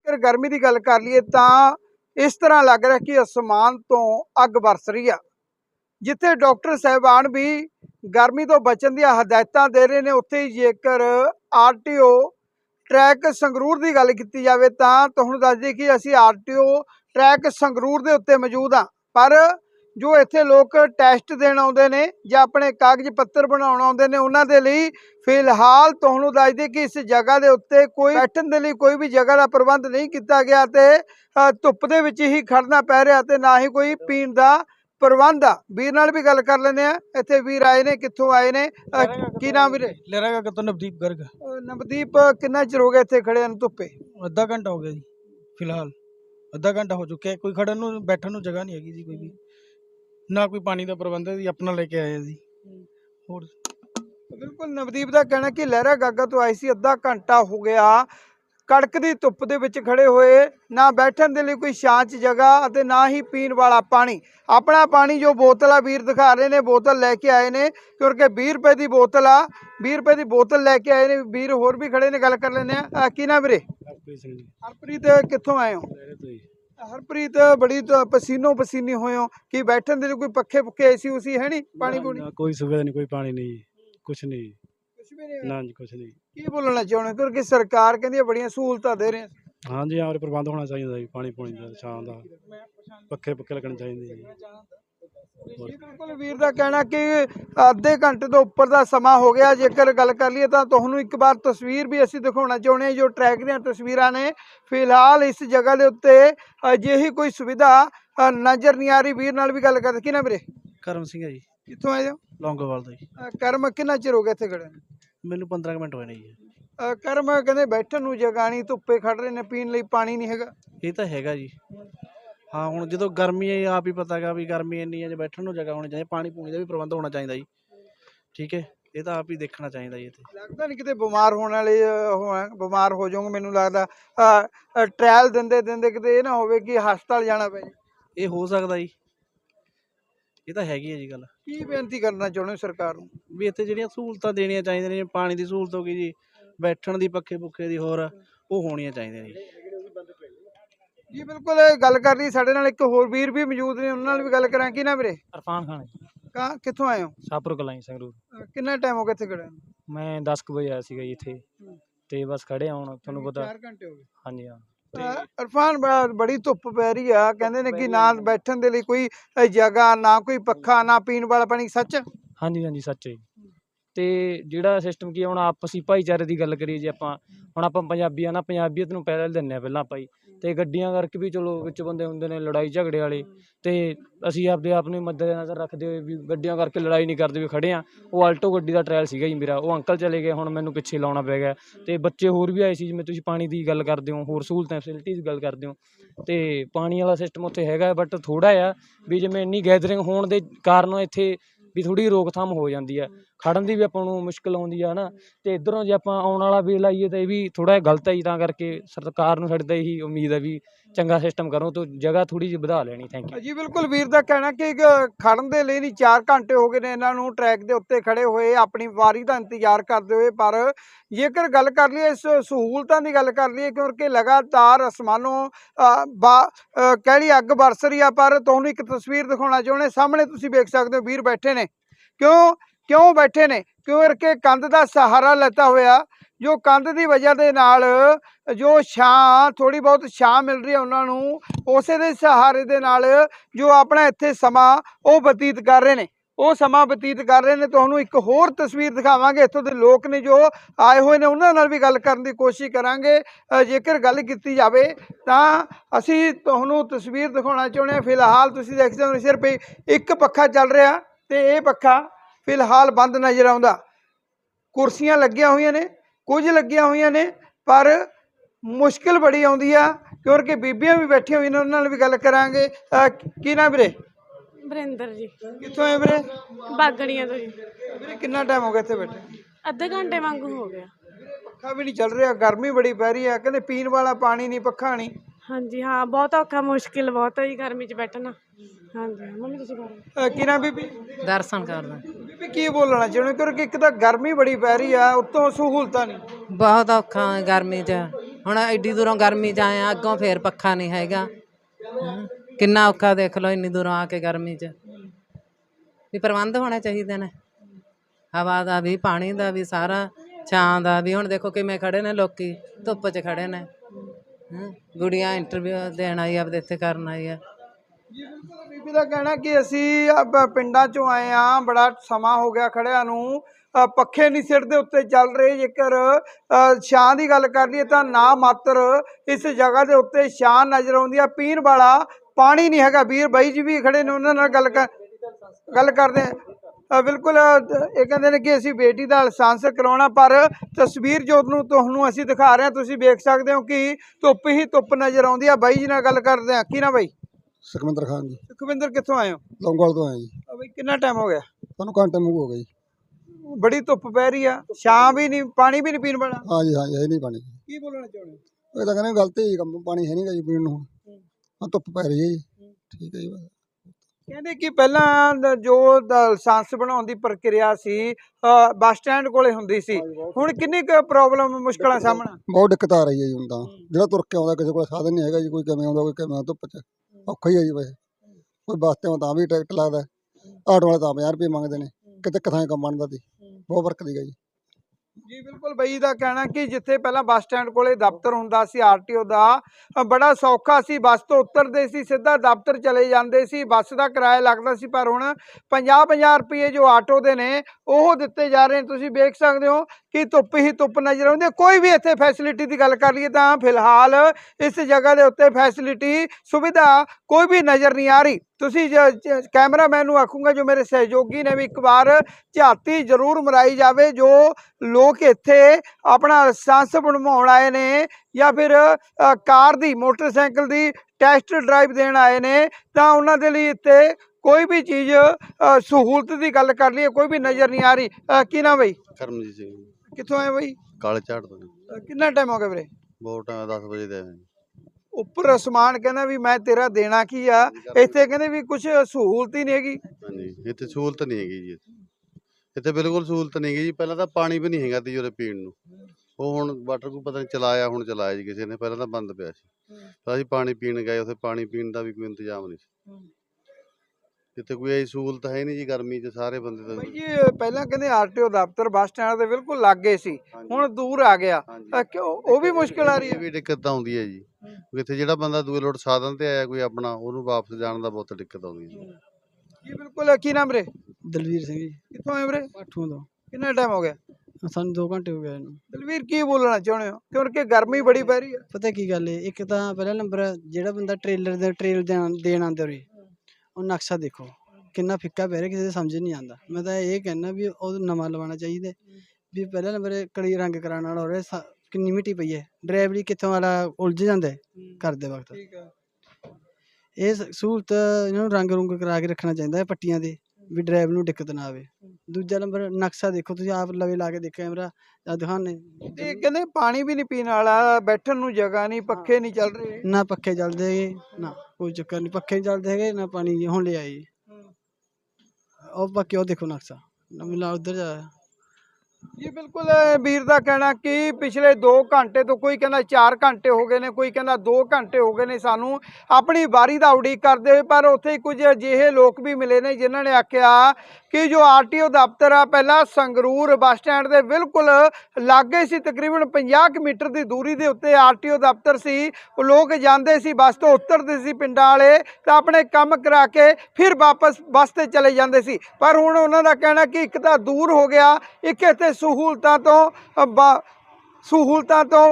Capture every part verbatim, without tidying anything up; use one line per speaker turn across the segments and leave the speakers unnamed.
फिर गर्मी की गल कर लीए तो इस तरह लग रहा कि आसमान तो अग बरस रही है, जिथे डॉक्टर साहबान भी गर्मी तो बचन दी हदायतां दे रहे हैं, उत्थे ही जेकर R T O track Sangrur की गल की जाए तो तुहानूं दस दी कि असीं R T O track Sangrur के उत्ते मौजूद हाँ। पर जो इत्थे लोग टैसट देण आउंदे ने जां अपने कागज पत्तर बनाउण आउंदे ने, उन्हां दे लई फिलहाल तुहानूं दस दी कि इस जगह के उत्ते कोई बैठण दे लई कोई भी जगह का प्रबंध नहीं किया गया ते धुप्प दे विच ही खड़ना पै रिहा ते ना ही कोई पीण दा प्रबंध आ। वीर नाल भी गल कर लैंदे आ। इत्थे वीर आए ने, कित्थों आए ने, की नाम वीरे?
लहरा का तो नवदीप गर्ग।
नवदीप, कितना चिर हो गया इत्थे खड़े न धुप्पे?
अद्धा घंटा हो गया जी, फिलहाल अद्धा घंटा हो चुका है। कोई खड़न नूं बैठण नूं जगह नहीं हैगी जी, कोई भी ना कोई पानी का प्रबंध है जी, अपना लेके आए जी। होर
बिल्कुल नवदीप का कहना कि लहरा गागा तो आई सी, अद्धा घंटा हो गया कड़कदी धुप्प दे विच खड़े हुए, ना बैठण दे लई कोई शांत जगह अते ना ही पीण वाला पानी। अपना पानी जो बोतल आ वीर दिखा रहे ने, बोतल लैके आए ने, क्योंकि बीस रुपए की बोतल आ, बीस रुपए की बोतल लैके आए ने। वीर होर भी खड़े ने, गल कर लेने आ। की ना वीरे? हरप्रीत, कित्थों आए हो? हरप्रीत, बड़ी तो पसीनो पसीनी होए हो कि बैठन दे लिए कोई पक्खे पुखे एसी उसी है नहीं? पानी पूनी
कोई सुविधा नहीं, कोई पानी नहीं, कुछ नहीं,
कुछ भी नहीं?
ना जी कुछ नहीं।
की बोलना चाहते हो? क्योंकि सरकार कहती बड़ियां सहूलतां दे रहे हैं।
हाँ जी, और प्रबंध होना चाहिए जी, पानी पूनी का, छां का, पक्खे पुक्खे लगने चाहिए जी।
बिल्कुल वीर का कहना कि अद्धे घंटे तो उपर का समा हो गया। जेकर गल कर लीए तो तुहानूं एक बार तस्वीर भी असीं दिखाउणा चाहुंदे हां, जो ट्रैक दी तस्वीरां ने। फिलहाल इस जगह के उत्ते अजिही कोई सुविधा नज़र नहीं आ रही। वीर नाल भी गल कर, की ना वीरे?
करम सिंह है जी,
कित्थों आए हो?
लौंगोवाल दा जी।
करम, कितना चिर हो गया इत्थे खड़े?
मैनूं पंद्रह मिनट होए ने जी।
करम कहंदे बैठण नूं जगह नहीं, धुप्पे खड़ रहे ने, पीण लई पानी नहीं हैगा।
ਇਹ ਤਾਂ ਹੈਗਾ ਜੀ। ਹਾਂ ਹੁਣ ਜਦੋਂ ਗਰਮੀ ਹੈ, ਆਪ ਹੀ ਪਤਾ ਹੈਗਾ ਵੀ ਗਰਮੀ ਇੰਨੀ ਹੈ, ਜੇ ਬੈਠਣ ਨੂੰ ਜਗ੍ਹਾ ਹੋਣੀ ਚਾਹੀਦੀ, ਪਾਣੀ ਪੂਣੀ ਦਾ ਵੀ ਪ੍ਰਬੰਧ ਹੋਣਾ ਚਾਹੀਦਾ ਜੀ। ਠੀਕ ਹੈ, ਇਹ ਤਾਂ ਆਪ ਹੀ ਦੇਖਣਾ ਚਾਹੀਦਾ ਜੀ। ਇੱਥੇ
ਲੱਗਦਾ ਨਹੀਂ ਕਿਤੇ ਬਿਮਾਰ ਹੋਣ ਵਾਲੇ ਹੋ ਬਿਮਾਰ ਹੋ ਜਾਓਗੇ? ਮੈਨੂੰ ਲੱਗਦਾ ਟ੍ਰਾਇਲ ਦਿੰਦੇ ਦਿੰਦੇ ਕਿਤੇ ਇਹ ਨਾ ਹੋਵੇ ਕਿ ਹਸਪਤਾਲ ਜਾਣਾ ਪਏ।
ਇਹ ਹੋ ਸਕਦਾ ਜੀ, ਇਹ ਤਾਂ ਹੈਗੀ ਹੈ ਜੀ ਗੱਲ।
ਕੀ ਬੇਨਤੀ ਕਰਨਾ ਚਾਹੁੰਦੇ ਹੋ ਸਰਕਾਰ ਨੂੰ?
ਵੀ ਇੱਥੇ ਜਿਹੜੀਆਂ ਸਹੂਲਤਾਂ ਦੇਣੀਆਂ ਚਾਹੀਦੀਆਂ ਨੇ, ਪਾਣੀ ਦੀ ਸਹੂਲਤ ਹੋ ਗਈ ਜੀ, ਬੈਠਣ ਦੀ, ਪੱਖੇ ਪੁੱਖੇ ਦੀ, ਹੋਰ ਉਹ ਹੋਣੀਆਂ ਚਾਹੀਦੀਆਂ ਨੇ ਜੀ।
जी बिल्कुल, गल कर रही साडे नाल एक होर वीर भी मौजूद ने, उन्हां नाल भी गल करां। की ना वीरे?
इरफान खान
कहाँ कित्थों आए हो?
शाहपुर कलाई संगरूर।
कितना टाइम हो गया इत्थे खड़े?
मैं दस कुछ बजे आया सीगा जी इत्थे, ते बस खड़े हुण तुहानूं पता।
चार घंटे हो गए।
हाँ जी हाँ।
इरफान, बड़ी धुप्प पै रही है, कहंदे ने कि ना बैठण दे लई कोई जगह, ना कोई पक्खा, ना पीण वाला पानी। सच?
हाँ जी हाँ जी सच है। ਤੇ ਜਿਹੜਾ ਸਿਸਟਮ ਕੀ ਹੁਣ ਆਪਸੀ ਭਾਈਚਾਰੇ ਦੀ ਗੱਲ ਕਰੀਏ ਜੇ ਆਪਾਂ, ਹੁਣ ਆਪਾਂ ਪੰਜਾਬੀ ਆ ਨਾ, ਪੰਜਾਬੀਅਤ ਨੂੰ ਪਹਿਲ ਦਿੰਦੇ ਆ ਪਹਿਲਾਂ ਆਪਾਂ ਹੀ। ਤੇ ਗੱਡੀਆਂ ਕਰਕੇ ਵੀ ਚਲੋ ਵਿੱਚ ਬੰਦੇ ਹੁੰਦੇ ਨੇ ਲੜਾਈ ਝਗੜੇ ਵਾਲੇ, ਤੇ ਅਸੀਂ ਆਪਦੇ ਆਪ ਨੂੰ ਮੱਦੇ ਨਜ਼ਰ ਰੱਖਦੇ ਹੋਏ ਵੀ ਗੱਡੀਆਂ ਕਰਕੇ ਲੜਾਈ ਨਹੀਂ ਕਰਦੇ, ਵੀ ਖੜੇ ਆ। ਉਹ ਆਲਟੋ ਗੱਡੀ ਦਾ ਟਰਾਇਲ ਸੀਗਾ ਜੀ ਮੇਰਾ, ਉਹ ਅੰਕਲ ਚਲੇ ਗਏ, ਹੁਣ ਮੈਨੂੰ ਪਿੱਛੇ ਲਾਉਣਾ ਪੈ ਗਿਆ। ਤੇ ਬੱਚੇ ਹੋਰ ਵੀ ਆਏ ਸੀ, ਜਿਵੇਂ ਤੁਸੀਂ ਪਾਣੀ ਦੀ ਗੱਲ ਕਰਦੇ ਹੋ, ਹੋਰ ਸਹੂਲਤਾਂ ਫੈਸਿਲਿਟੀ ਦੀ ਗੱਲ ਕਰਦੇ ਹੋ, ਤੇ ਪਾਣੀ ਵਾਲਾ ਸਿਸਟਮ ਉੱਥੇ ਹੈਗਾ, ਬਟ ਥੋੜ੍ਹਾ ਆ ਵੀ ਜਿਵੇਂ ਇੰਨੀ ਗੈਦਰਿੰਗ ਹੋਣ ਦੇ ਕਾਰਨ ਇੱਥੇ ਵੀ ਥੋੜ੍ਹੀ ਰੋਕਥਾਮ ਹੋ ਜਾਂਦੀ ਹੈ, ਖੜਨ ਦੀ ਵੀ ਆਪਾਂ ਨੂੰ ਮੁਸ਼ਕਿਲ ਆਉਂਦੀ ਆ ਨਾ। ਤੇ ਇੱਧਰੋਂ ਜੇ ਆਪਾਂ ਆਉਣ ਵਾਲਾ ਵੇਲ ਆਈਏ ਤਾਂ ਇਹ ਵੀ ਥੋੜ੍ਹਾ ਜਿਹਾ ਗਲਤ ਹੈ ਜੀ। ਤਾਂ ਕਰਕੇ ਸਰਕਾਰ ਨੂੰ ਸਾਡੇ ਤਾਂ ਇਹੀ ਉਮੀਦ ਹੈ ਵੀ ਚੰਗਾ ਸਿਸਟਮ ਕਰੋ, ਤਾਂ ਜਗ੍ਹਾ ਥੋੜ੍ਹੀ ਜਿਹੀ ਵਧਾ ਲੈਣੀ। ਥੈਂਕ ਯੂ
ਜੀ ਬਿਲਕੁਲ, ਵੀਰ ਦਾ ਕਹਿਣਾ ਕਿ ਖੜਨ ਦੇ ਲਈ ਨਹੀਂ, ਚਾਰ ਘੰਟੇ ਹੋ ਗਏ ਨੇ ਇਹਨਾਂ ਨੂੰ ਟਰੈਕ ਦੇ ਉੱਤੇ ਖੜੇ ਹੋਏ, ਆਪਣੀ ਵਾਰੀ ਦਾ ਇੰਤਜ਼ਾਰ ਕਰਦੇ ਹੋਏ। ਪਰ ਜੇਕਰ ਗੱਲ ਕਰ ਲਈਏ ਇਸ ਸਹੂਲਤਾਂ ਦੀ ਗੱਲ ਕਰ ਲਈਏ, ਕਿਉਂਕਿ ਲਗਾਤਾਰ ਅਸਮਾਨੋਂ ਬਾ ਕਹਿ ਲਈ ਅੱਗ ਬਰਸ ਰਹੀ ਆ। ਪਰ ਤੁਹਾਨੂੰ ਇੱਕ ਤਸਵੀਰ ਦਿਖਾਉਣਾ ਚਾਹੁੰਦੇ, ਸਾਹਮਣੇ ਤੁਸੀਂ ਵੇਖ ਸਕਦੇ ਹੋ ਵੀਰ ਬੈਠੇ ਨੇ। ਕਿਉਂ ਕਿਉਂ ਬੈਠੇ ਨੇ? ਕਿਉਂਕਿ ਕੰਧ ਦਾ ਸਹਾਰਾ ਲੈਤਾ ਹੋਇਆ, ਜੋ ਕੰਧ ਦੀ ਵਜ੍ਹਾ ਦੇ ਨਾਲ ਜੋ ਛਾਂ, ਥੋੜ੍ਹੀ ਬਹੁਤ ਛਾਂ ਮਿਲ ਰਹੀ ਹੈ ਉਹਨਾਂ ਨੂੰ, ਉਸੇ ਦੇ ਸਹਾਰੇ ਦੇ ਨਾਲ ਜੋ ਆਪਣਾ ਇੱਥੇ ਸਮਾਂ ਉਹ ਬਤੀਤ ਕਰ ਰਹੇ ਨੇ, ਉਹ ਸਮਾਂ ਬਤੀਤ ਕਰ ਰਹੇ ਨੇ। ਤੁਹਾਨੂੰ ਇੱਕ ਹੋਰ ਤਸਵੀਰ ਦਿਖਾਵਾਂਗੇ, ਇੱਥੋਂ ਦੇ ਲੋਕ ਨੇ ਜੋ ਆਏ ਹੋਏ ਨੇ, ਉਹਨਾਂ ਨਾਲ ਵੀ ਗੱਲ ਕਰਨ ਦੀ ਕੋਸ਼ਿਸ਼ ਕਰਾਂਗੇ। ਜੇਕਰ ਗੱਲ ਕੀਤੀ ਜਾਵੇ ਤਾਂ ਅਸੀਂ ਤੁਹਾਨੂੰ ਤਸਵੀਰ ਦਿਖਾਉਣਾ ਚਾਹੁੰਦੇ ਹਾਂ। ਫਿਲਹਾਲ ਤੁਸੀਂ ਦੇਖ ਸਕਦੇ ਹੋ ਸਿਰਫ ਇੱਕ ਪੱਖਾ ਚੱਲ ਰਿਹਾ, ਤੇ ਇਹ ਪੱਖਾ ਫਿਲਹਾਲ ਬੰਦ ਨਜ਼ਰ ਆਉਂਦਾ। ਕੁਰਸੀਆਂ ਲੱਗੀਆਂ ਹੋਈਆਂ ਨੇ, ਕੁਝ ਲੱਗੀਆਂ ਹੋਈਆਂ ਨੇ, ਪਰ ਮੁਸ਼ਕਿਲ ਬੜੀ ਆਉਂਦੀ ਆ, ਕਿਉਂਕਿ ਬੀਬੀਆਂ ਵੀ ਬੈਠੀਆਂ ਹੋਈਆਂ ਨੇ, ਉਹਨਾਂ ਨਾਲ ਵੀ ਗੱਲ ਕਰਾਂਗੇ। ਕੀ ਨਾ ਵੀਰੇ?
ਵਰਿੰਦਰ ਜੀ।
ਕਿੱਥੋਂ ਆਏ ਵੀਰੇ?
ਬਾਗੜੀਆਂ ਤੋਂ ਜੀ।
ਵੀਰੇ ਕਿੰਨਾ ਟਾਈਮ ਹੋ ਗਿਆ ਇੱਥੇ ਬੈਠੇ?
ਅੱਧੇ ਘੰਟੇ ਵਾਂਗੂ ਹੋ ਗਿਆ।
ਪੱਖਾ ਵੀ ਨਹੀਂ ਚੱਲ ਰਿਹਾ, ਗਰਮੀ ਬੜੀ ਪੈ ਰਹੀ ਆ, ਕਹਿੰਦੇ ਪੀਣ ਵਾਲਾ ਪਾਣੀ ਨਹੀਂ, ਪੱਖਾ ਨਹੀਂ।
ਹਾਂਜੀ ਹਾਂ, ਬਹੁਤ ਔਖਾ, ਮੁਸ਼ਕਿਲ ਬਹੁਤ ਹੈ ਜੀ ਗਰਮੀ 'ਚ ਬੈਠਣਾ। ਹਾਂਜੀ ਮੰਮੀ ਤੁਸੀਂ ਕਰੋ।
ਕੀ ਨਾ ਬੀਬੀ?
ਦਰਸ਼ਨ ਕਰਦਾ।
ਬੀਬੀ ਕੀ ਬੋਲਣਾ ਚਾਹੁੰਦੇ? ਕਿਉਂਕਿ ਇੱਕ ਤਾਂ ਗਰਮੀ ਬੜੀ ਪੈ ਰਹੀ ਆ, ਉੱਤੋਂ ਸਹੂਲਤਾਂ ਨਹੀਂ।
ਬਹੁਤ ਔਖਾ ਗਰਮੀ 'ਚ, ਹੁਣ ਐਡੀ ਦੂਰੋਂ ਗਰਮੀ 'ਚ ਆਏ ਆ, ਅੱਗੋਂ ਫੇਰ ਪੱਖਾ ਨਹੀਂ ਹੈਗਾ। ਹਮ, ਕਿੰਨਾ ਔਖਾ ਦੇਖ ਲਓ ਇੰਨੀ ਦੂਰੋਂ ਆ ਕੇ ਗਰਮੀ 'ਚ। ਵੀ ਪ੍ਰਬੰਧ ਹੋਣੇ ਚਾਹੀਦੇ ਨੇ, ਹਵਾ ਦਾ ਵੀ, ਪਾਣੀ ਦਾ ਵੀ, ਸਾਰਾ ਛਾਂ ਦਾ ਵੀ। ਹੁਣ ਦੇਖੋ ਕਿਵੇਂ ਖੜੇ ਨੇ ਲੋਕੀ, ਧੁੱਪ 'ਚ ਖੜੇ ਨੇ। ਹਮ, ਗੁੜੀਆਂ ਇੰਟਰਵਿਊ ਦੇਣ ਆਈ, ਆਪਦੇ ਇੱਥੇ ਕਰਨ ਆਈ ਆ।
ਜੀ ਬਿਲਕੁਲ, ਬੀਬੀ ਦਾ ਕਹਿਣਾ ਕਿ ਅਸੀਂ ਅ, ਪਿੰਡਾਂ ਚੋਂ ਆਏ ਆ, ਬੜਾ ਸਮਾਂ ਹੋ ਗਿਆ ਖੜਿਆਂ ਨੂੰ, ਅ, ਪੱਖੇ ਨਹੀਂ ਸਿਰ ਦੇ ਉੱਤੇ ਚੱਲ ਰਹੇ। ਜੇਕਰ ਅ, ਛਾਂ ਦੀ ਗੱਲ ਕਰ ਲਈਏ ਤਾਂ ਨਾ ਮਾਤਰ ਇਸ ਜਗ੍ਹਾ ਦੇ ਉੱਤੇ ਛਾਂ ਨਜ਼ਰ ਆਉਂਦੀ ਆ, ਪੀਣ ਵਾਲਾ ਪਾਣੀ ਨਹੀਂ ਹੈਗਾ। ਵੀਰ ਬਾਈ ਜੀ ਵੀ ਖੜੇ ਨੇ, ਉਹਨਾਂ ਨਾਲ ਗੱਲ ਕਰ ਗੱਲ ਕਰਦੇ ਆ। ਬਿਲਕੁਲ, ਇਹ ਕਹਿੰਦੇ ਨੇ ਕਿ ਅਸੀਂ ਬੇਟੀ ਦਾ ਲਾਇਸੈਂਸ ਕਰਾਉਣਾ, ਪਰ ਤਸਵੀਰ ਜੋ ਨੂੰ ਤੁਹਾਨੂੰ ਅਸੀਂ ਦਿਖਾ ਰਹੇ ਹਾਂ, ਤੁਸੀਂ ਵੇਖ ਸਕਦੇ ਹੋ ਕਿ ਧੁੱਪ ਹੀ ਧੁੱਪ ਨਜ਼ਰ ਆਉਂਦੀ ਆ। ਬਾਈ ਜੀ ਨਾਲ ਗੱਲ ਕਰਦੇ ਆ। ਕੀ ਨਾ ਬਾਈ?
ਸੁਖਵਿੰਦਰ ਖਾਨ ਜੀ,
ਸੁਖਵਿੰਦਰ, ਕਿੱਥੋਂ ਆਏ ਹੋ?
ਲੌਂਗੋਵਾਲ ਤੋਂ ਆਏ ਜੀ।
ਆ ਬਾਈ, ਕਿੰਨਾ ਟਾਈਮ ਹੋ ਗਿਆ?
ਤੁਹਾਨੂੰ ਘੰਟੇ ਮੂੰਹ ਹੋ ਗਈ।
ਬੜੀ ਧੁੱਪ ਪੈ ਰਹੀ ਆ, ਛਾਂ ਵੀ ਨਹੀਂ, ਪਾਣੀ ਵੀ ਨਹੀਂ ਪੀਣ ਵਾਲਾ।
ਹਾਂ ਜੀ, ਹਾਂ ਜੀ, ਹੈ ਨਹੀਂ ਪਾਣੀ।
ਕੀ ਬੋਲਣਾ ਚਾਹੁੰਦੇ ਹੋ?
ਇਹ ਤਾਂ ਕਹਿੰਦੇ ਗਲਤ ਹੀ ਕੰਮ, ਪਾਣੀ ਹੈ ਨਹੀਂਗਾ ਜੀ ਪੀਣ ਨੂੰ। ਹਾਂ, ਧੁੱਪ ਪੈ ਰਹੀ ਹੈ ਜੀ। ਠੀਕ ਹੈ ਜੀ। ਬਸ
ਕਹਿੰਦੇ ਕਿ ਪਹਿਲਾਂ ਦ- ਜੋ ਦ- ਲਾਇਸੈਂਸ ਬਣਾਉਣ ਦੀ ਪ੍ਰਕਿਰਿਆ ਸੀ ਅ, ਬੱਸ ਸਟੈਂਡ ਕੋਲੇ ਹੁੰਦੀ ਸੀ, ਹੁਣ ਕਿੰਨੀ ਕੁ ਪ੍ਰੋਬਲਮ, ਮੁਸ਼ਕਲਾਂ ਸਾਹਮਣਾ?
ਬਹੁਤ ਦਿੱਕਤ ਆ ਰਹੀ ਹੈ ਜੀ ਹੁਣ ਤਾਂ। ਜਿਹੜਾ ਤੁਰ ਕੇ ਆਉਂਦਾ, ਕਿਸੇ ਕੋਲ ਸਾਧਨ ਨਹੀਂ ਹੈਗਾ ਜੀ। ਕੋਈ ਕਿਵੇਂ ਆਉਂਦਾ, ਕੋਈ ਕਿਵੇਂ ਆਉਂਦਾ, ਧੁੱਪ 'ਚ ਔਖਾ ਹੀ ਹੈ ਜੀ। ਵੈਸੇ ਕੋਈ ਬੱਸ ਤੇ ਤਾਂ ਵੀ ਟਿਕਟ ਲੱਗਦਾ, ਆਟੋ ਵਾਲੇ ਤਾਂ ਪੰਜਾਹ ਰੁਪਏ ਮੰਗਦੇ ਨੇ। ਕਿਤੇ ਕਿਥਾਂ ਕੰਮ ਬਣਦਾ ਸੀ, ਬਹੁਤ ਫਰਕ ਸੀਗਾ ਜੀ।
ਜੀ ਬਿਲਕੁਲ, ਬਈ ਦਾ ਕਹਿਣਾ ਕਿ ਜਿੱਥੇ ਪਹਿਲਾਂ ਬੱਸ ਸਟੈਂਡ ਕੋਲੇ ਦਫ਼ਤਰ ਹੁੰਦਾ ਸੀ ਆਰਟੀਓ ਦਾ, ਅ, ਬੜਾ ਸੌਖਾ ਸੀ। ਬੱਸ ਤੋਂ ਉਤਰਦੇ ਸੀ, ਸਿੱਧਾ ਦਫ਼ਤਰ ਚਲੇ ਜਾਂਦੇ ਸੀ, ਬੱਸ ਦਾ ਕਿਰਾਇਆ ਲੱਗਦਾ ਸੀ। ਪਰ ਹੁਣ ਪੰਜਾਹ ਪੰਜਾਹ ਰੁਪਏ ਜੋ ਆਟੋ ਦੇ ਨੇ ਉਹ ਦਿੱਤੇ ਜਾ ਰਹੇ ਨੇ। ਤੁਸੀਂ ਵੇਖ ਸਕਦੇ ਹੋ ਕਿ ਧੁੱਪ ਹੀ ਧੁੱਪ ਨਜ਼ਰ ਆਉਂਦੀ ਹੈ। ਕੋਈ ਵੀ ਇੱਥੇ ਫੈਸਿਲਿਟੀ ਦੀ ਗੱਲ ਕਰ ਲਈਏ ਤਾਂ ਫਿਲਹਾਲ ਇਸ ਜਗ੍ਹਾ ਦੇ ਉੱਤੇ ਫੈਸਿਲਿਟੀ, ਸੁਵਿਧਾ ਕੋਈ ਵੀ ਨਜ਼ਰ ਨਹੀਂ ਆ ਰਹੀ। ਤੁਸੀਂ ਕੈਮਰਾਮੈਨ ਨੂੰ ਆਖੂੰਗਾ, ਜੋ ਮੇਰੇ ਸਹਿਯੋਗੀ ਨੇ, ਵੀ ਇੱਕ ਵਾਰ ਝਾਤੀ ਜ਼ਰੂਰ ਮਰਾਈ ਜਾਵੇ। ਜੋ ਲੋਕ ਇੱਥੇ ਆਪਣਾ ਲਾਇਸੈਂਸ ਬਣਵਾਉਣ ਆਏ ਨੇ ਜਾਂ ਫਿਰ ਅ, ਕਾਰ ਦੀ, ਮੋਟਰਸਾਈਕਲ ਦੀ ਟੈਸਟ ਡਰਾਈਵ ਦੇਣ ਆਏ ਨੇ, ਤਾਂ ਉਹਨਾਂ ਦੇ ਲਈ ਇੱਥੇ ਕੋਈ ਵੀ ਚੀਜ਼, ਅ, ਸਹੂਲਤ ਦੀ ਗੱਲ ਕਰ ਲਈਏ, ਕੋਈ ਵੀ ਨਜ਼ਰ ਨਹੀਂ ਆ ਰਹੀ। ਅ, ਕੀ ਨਾ ਬਈ?
ਕਰਮਜੀਤ ਸਿੰਘ,
ਕਿੱਥੋਂ ਆਏ ਬਈ?
ਕਾਲੇ ਝਾੜ ਤੋਂ।
ਅ, ਕਿੰਨਾ ਟਾਈਮ ਹੋ ਗਿਆ ਵੀਰੇ?
ਬਹੁਤ ਟਾਈਮ, ਦਸ ਵਜੇ ਦੇ ਆਏ।
ਉੱਪਰ ਅਸਮਾਨ ਕਹਿੰਦਾ ਵੀ ਮੈਂ ਤੇਰਾ ਦੇਣਾ ਕੀ ਆ, ਇੱਥੇ ਕਹਿੰਦੇ ਵੀ ਕੁਝ ਸਹੂਲਤ ਹੀ ਨਹੀਂ ਹੈਗੀ।
ਹਾਂਜੀ, ਇੱਥੇ ਸਹੂਲਤ ਨਹੀਂ ਹੈਗੀ ਜੀ। ਇੱਥੇ ਬਿਲਕੁਲ ਸਹੂਲਤ ਨਹੀਂ ਹੈਗੀ ਜੀ। ਪਹਿਲਾਂ ਤਾਂ ਪਾਣੀ ਵੀ ਨਹੀਂ ਹੈਗਾ ਤੀ ਉਰੇ ਪੀਣ ਨੂੰ। ਉਹ ਹੁਣ ਵਾਟਰ ਕੂਲਰ ਪਤਾ ਨਹੀਂ ਚਲਾਇਆ, ਹੁਣ ਚਲਾਇਆ ਜੀ ਕਿਸੇ ਨੇ, ਪਹਿਲਾਂ ਤਾਂ ਬੰਦ ਪਿਆ ਸੀ। ਤਾਂ ਅਸੀਂ ਪਾਣੀ ਪੀਣ ਗਏ, ਉੱਥੇ ਪਾਣੀ ਪੀਣ ਦਾ ਵੀ ਕੋਈ ਇੰਤਜ਼ਾਮ ਨਹੀਂ ਸੀ। ਇੱਥੇ ਕੋਈ ਐਸੀ ਸਹੂਲਤ ਹੈ ਨਹੀਂ ਜੀ। ਗਰਮੀ 'ਚ ਸਾਰੇ ਬੰਦੇ ਤਾਂ
ਬਾਈ ਜੀ, ਪਹਿਲਾਂ ਕਹਿੰਦੇ ਆਰਟੀਓ ਦਫ਼ਤਰ ਬੱਸ ਸਟੈਂਡ ਦੇ ਬਿਲਕੁਲ ਲਾਗੇ ਸੀ, ਹੁਣ ਦੂਰ ਆ ਗਿਆ। ਅ, ਕਿਉਂ ਉਹ ਵੀ ਮੁਸ਼ਕਿਲ ਆ ਰਹੀ
ਇਹ
ਹੈ?
ਵੀ ਦਿੱਕਤ ਤਾਂ ਆਉਂਦੀ ਹੈ ਜੀ। ਇੱਥੇ ਜਿਹੜਾ ਬੰਦਾ ਦੂਏ ਲੋਟ ਸਾਧਨ ਤੇ ਆਇਆ ਕੋਈ ਆਪਣਾ, ਉਹਨੂੰ ਵਾਪਸ ਜਾਣ ਦਾ ਬਹੁਤ ਦਿੱਕਤ ਆਉਂਦੀ ਹੈ ਜੀ।
ਜੀ ਬਿਲਕੁਲ। ਕੀ ਨਾਮ ਵੀਰੇ?
ਦਲਵੀਰ ਸਿੰਘ ਜੀ,
ਕਿੱਥੋਂ ਆਏ ਵੀਰੇ?
ਪਾਠੋਂ ਤੋਂ।
ਕਿੰਨਾ ਟਾਈਮ ਹੋ ਗਿਆ?
ਸਾਨੂੰ ਦੋ ਘੰਟੇ ਹੋ ਗਏ ਇਹਨੂੰ।
ਦਲਵੀਰ, ਕੀ ਬੋਲਣਾ ਚਾਹੁੰਦੇ ਹੋ, ਕਿਉਂਕਿ ਗਰਮੀ ਬੜੀ ਪੈ ਰਹੀ ਹੈ?
ਪਤਾ ਕੀ ਗੱਲ ਏ, ਇੱਕ ਤਾਂ ਪਹਿਲਾ ਨੰਬਰ ਜਿਹੜਾ ਬੰਦਾ ਟ੍ਰੇਲਰ ਦੇ ਟ੍ਰੇਲ ਦੇਣ ਦੇਣ ਆਉਂਦਾ ਉਰੇ, ਉਹ ਨਕਸ਼ਾ ਦੇਖੋ ਕਿੰਨਾ ਫਿੱਕਾ ਪੈ ਰਿਹਾ, ਕਿਸੇ ਦੇ ਸਮਝ ਨਹੀਂ ਆਉਂਦਾ। ਮੈਂ ਤਾਂ ਇਹ ਕਹਿਣਾ ਵੀ ਉਹ ਨਵਾਂ ਲਵਾਉਣਾ ਚਾਹੀਦਾ। ਵੀ ਪਹਿਲਾ ਨੰਬਰ ਕਲੀ ਰੰਗ ਕਰਾਉਣ ਵਾਲਾ ਹੋ ਰਿਹਾ, ਕਿੰਨੀ ਮਿੱਟੀ ਪਈ ਹੈ, ਡਰਾਈਵਰੀ ਕਿੱਥੋਂ ਵਾਲਾ ਉਲਝ ਜਾਂਦਾ ਕਰਦੇ ਵਕਤ। ਇਹ ਸਹੂਲਤ ਇਹਨਾਂ ਨੂੰ ਰੰਗ ਰੁੰਗ ਕਰਾ ਕੇ ਰੱਖਣਾ ਚਾਹੀਦਾ ਹੈ ਪੱਟੀਆਂ ਦੇ, ਵੀ ਡਰਾਈਵਰ ਨੂੰ ਦਿੱਕਤ ਨਾ ਆਵੇ। ਦੂਜਾ ਨੰਬਰ ਨਕਸ਼ਾ ਦੇਖੋ, ਤੁਸੀਂ ਆਪ ਲਵੇ ਲਾ ਕੇ ਦੇਖੋ, ਕੈਮਰਾ ਦਿਖਾਣੇ।
ਤੇ ਕਹਿੰਦੇ ਪਾਣੀ ਵੀ ਨਹੀਂ ਪੀਣ ਵਾਲਾ, ਬੈਠਣ ਨੂੰ ਜਗ੍ਹਾ ਨਹੀਂ, ਪੱਖੇ ਨਹੀਂ ਚੱਲ ਰਹੇ।
ਨਾ ਪੱਖੇ ਚੱਲਦੇ ਹੈਗੇ, ਨਾ ਕੋਈ ਚੱਕਰ ਨਹੀਂ, ਪੱਖੇ ਨਹੀਂ ਚੱਲਦੇ ਹੈਗੇ, ਨਾ ਪਾਣੀ ਹੁਣ ਲੈ ਆਈ। ਉਹ ਬਾਕੀ ਉਹ ਦੇਖੋ ਨਕਸ਼ਾ, ਮਿਲਾ ਉਧਰ ਜਾ।
ਜੀ ਬਿਲकुल, ਵੀਰ ਦਾ ਕਹਿਣਾ ਕਿ ਪਿਛਲੇ ਦੋ ਘੰਟੇ ਤੋਂ, ਕੋਈ ਕਹਿੰਦਾ ਚਾਰ ਘੰਟੇ ਹੋ ਗਏ ਨੇ, ਕੋਈ ਕਹਿੰਦਾ ਦੋ ਘੰਟੇ ਹੋ ਗਏ ਨੇ ਸਾਨੂੰ ਆਪਣੀ ਵਾਰੀ ਦਾ ਉਡੀਕ ਕਰਦੇ ਹੋਏ। ਪਰ ਉੱਥੇ ਕੁਝ ਅਜਿਹੇ ਲੋਕ ਵੀ ਮਿਲੇ ਨੇ ਜਿਨ੍ਹਾਂ ਨੇ ਆਖਿਆ ਕਿ ਜੋ ਆਰਟੀਓ ਦਫ਼ਤਰ ਆ, ਪਹਿਲਾਂ ਸੰਗਰੂਰ ਬੱਸ ਸਟੈਂਡ ਦੇ ਬਿਲਕੁਲ ਲਾਗੇ ਸੀ, ਤਕਰੀਬਨ ਪੰਜਾਹ ਕੁ ਮੀਟਰ ਦੀ ਦੂਰੀ ਦੇ ਉੱਤੇ ਆਰਟੀਓ ਦਫ਼ਤਰ ਸੀ। ਉਹ ਲੋਕ ਜਾਂਦੇ ਸੀ, ਬੱਸ ਤੋਂ ਉਤਰਦੇ ਸੀ ਪਿੰਡਾਂ ਵਾਲੇ, ਤਾਂ ਆਪਣੇ ਕੰਮ ਕਰਾ ਕੇ ਫਿਰ ਵਾਪਸ ਬੱਸ ਤੇ ਚਲੇ ਜਾਂਦੇ ਸੀ। ਪਰ ਹੁਣ ਉਹਨਾਂ ਦਾ ਕਹਿਣਾ ਕਿ ਇੱਕ ਤਾਂ ਦੂਰ ਹੋ ਗਿਆ, ਇੱਕ ਇੱਥੇ ਸਹੂਲਤਾਂ ਤੋਂ ਅ, ਬਾ- ਸਹੂਲਤਾਂ ਤੋਂ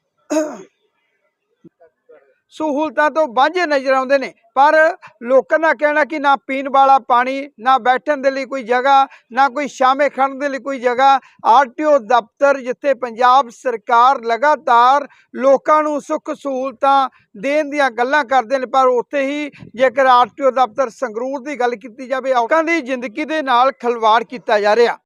ਸਹੂਲਤਾਂ ਤੋਂ ਵਾਂਝੇ ਨਜ਼ਰ ਆਉਂਦੇ ਨੇ। ਪਰ ਲੋਕਾਂ ਦਾ ਕਹਿਣਾ ਕਿ ਨਾ ਪੀਣ ਵਾਲਾ ਪਾਣੀ, ਨਾ ਬੈਠਣ ਦੇ ਲਈ ਕੋਈ ਜਗ੍ਹਾ, ਨਾ ਕੋਈ ਛਾਵੇਂ ਖੜਨ ਦੇ ਲਈ ਕੋਈ ਜਗ੍ਹਾ। ਆਰਟੀਓ ਦਫ਼ਤਰ ਜਿੱਥੇ ਪੰਜਾਬ ਸਰਕਾਰ ਲਗਾਤਾਰ ਲੋਕਾਂ ਨੂੰ ਸੁੱਖ ਸਹੂਲਤਾਂ ਦੇਣ ਦੀਆਂ ਗੱਲਾਂ ਕਰਦੇ ਨੇ, ਪਰ ਉੱਥੇ ਹੀ ਜੇਕਰ ਆਰਟੀਓ ਦਫ਼ਤਰ ਸੰਗਰੂਰ ਦੀ ਗੱਲ ਕੀਤੀ ਜਾਵੇ, ਲੋਕਾਂ ਦੀ ਜ਼ਿੰਦਗੀ ਦੇ ਨਾਲ ਖਿਲਵਾੜ ਕੀਤਾ ਜਾ ਰਿਹਾ।